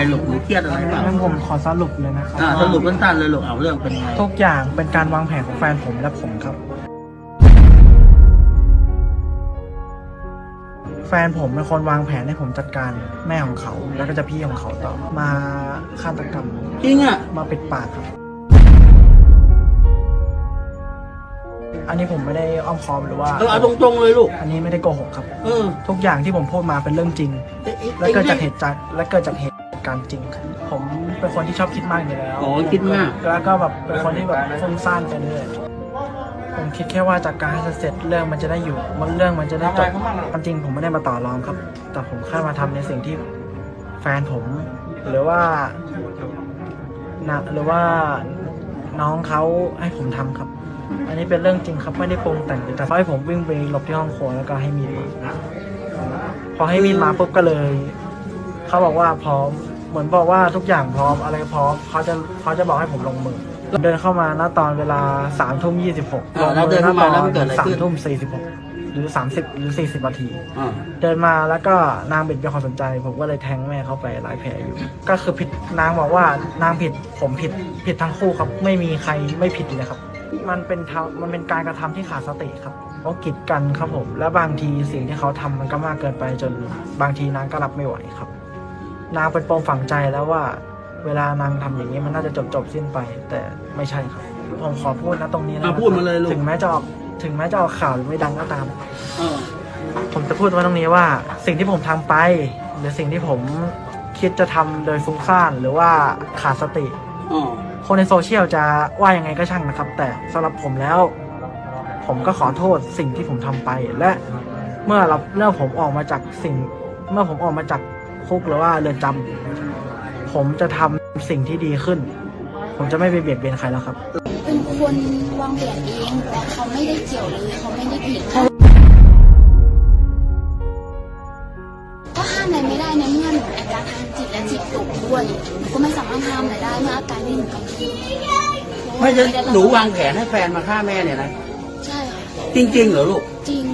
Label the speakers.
Speaker 1: ลูกหนูเครียดอะไรเปล่า
Speaker 2: งั้นผมขอสรุปเลยนะครับ
Speaker 1: สรุปสั้นๆเลยลูกเอาเรื่องเป็นไง
Speaker 2: ทุกอย่างเป็นการวางแผนของแฟนผมและผมครับแฟนผมเป็นคนวางแผนให้ผมจัดการแม่ของเขาแล้วก็จะพี่ของเขาต่อมาฆาตกรรม
Speaker 1: จริงอ่ะ
Speaker 2: มาปิดปากครับอันนี้ผมไม่ได้อ้อมค้อมหรือว่า
Speaker 1: เอาตรงๆเลยลูก
Speaker 2: อันนี้ไม่ได้โกหกครับ
Speaker 1: เออ
Speaker 2: ทุกอย่างที่ผมพูดมาเป็นเรื่องจริง และเกิดจากเหตุการณ์จริงครับผมเป็นคนที่ชอบคิดมากอยู่แล้ว
Speaker 1: อ๋อคิดมาก
Speaker 2: แล้วก็แบบเป็นคนที่แบบฟุ้งซ่านไปเรื่อยผมคิดแค่ว่าจากการให้เสร็จเรื่องมันจะได้อยู่เรื่องมันจะได้จบความจริงผมไม่ได้มาต่อรองครับ แต่ผมแค่มาทำในสิ่งที่แฟนผมหรือว่าน้องเขาให้ผมทำครับ อันนี้เป็นเรื่องจริงครับไม่ได้ปรุงแต่งแต่เขาให้ผมวิ่งไปหลบที่ห้องครัวแล้วก็ให้มีดมาพอให้มีดมาปุ๊บก็เลยเขาบอกว่าพร้อมเหมือนบอกว่าทุกอย่างพร้อมอะไรพร้อมเขาจะบอกให้ผมลงมือเดินเข้ามาณตอนเวลา3:26ลงมือณตอน3:46หรือ30หรือ40นาทีเดินมาแล้วก็นางบิดเป็นความสนใจผมก็เลยแทงแม่เขาไปหลายแผลอยู่ก็คือผิดนางบอกว่านางผิดผมผิดทั้งคู่ครับไม่มีใครไม่ผิดเลยครับมันเป็นการกระทำที่ขาดสติครับเพราะกีดกันครับผมและบางทีสิ่งที่เขาทำมันก็มากเกินไปจนบางทีนางก็รับไม่ไหวครับนางเป็นปมฝังใจแล้วว่าเวลานางทำอย่างนี้มันน่าจะจบสิ้นไปแต่ไม่ใช่ครับผมขอพูดนะตรงนี้นะ
Speaker 1: พูดมาเลยลูก
Speaker 2: ถึงแม้จะออกข่าวหรือไม่ดังก็ตามผมจะพูดว่าตรงนี้ว่าสิ่งที่ผมทำไปหรือสิ่งที่ผมคิดจะทำโดยฟุ้งซ่านหรือว่าขาดสติคนในโซเชียลจะว่ายังไงก็ช่างนะครับแต่สำหรับผมแล้วผมก็ขอโทษสิ่งที่ผมทำไปและเมื่อผมออกมาจากคุกหรือว่าเรือนจำผมจะทำสิ่งที่ดีขึ้นผมจะไม่ไปเบียดเบียนใครแล้วครับ
Speaker 3: เป็นคนวางแผนเองแต่เขาไม่ได้เกี่ยวเลยเขาไม่ได้ผิดก็ห้ามอะไรไม่ได้ในเมื่อหนูอาการทางจิตและจิตตกด้วยก็ไม่สามารถห้ามอะไรได้เมื่ออาการที่หนูกำลัง
Speaker 1: ไม่ใช่หนูวางแผนให้แฟนมาฆ่าแม่เนี่ยนะ
Speaker 3: ใช่ค่ะ
Speaker 1: จริงๆเหรอลูก
Speaker 3: จริง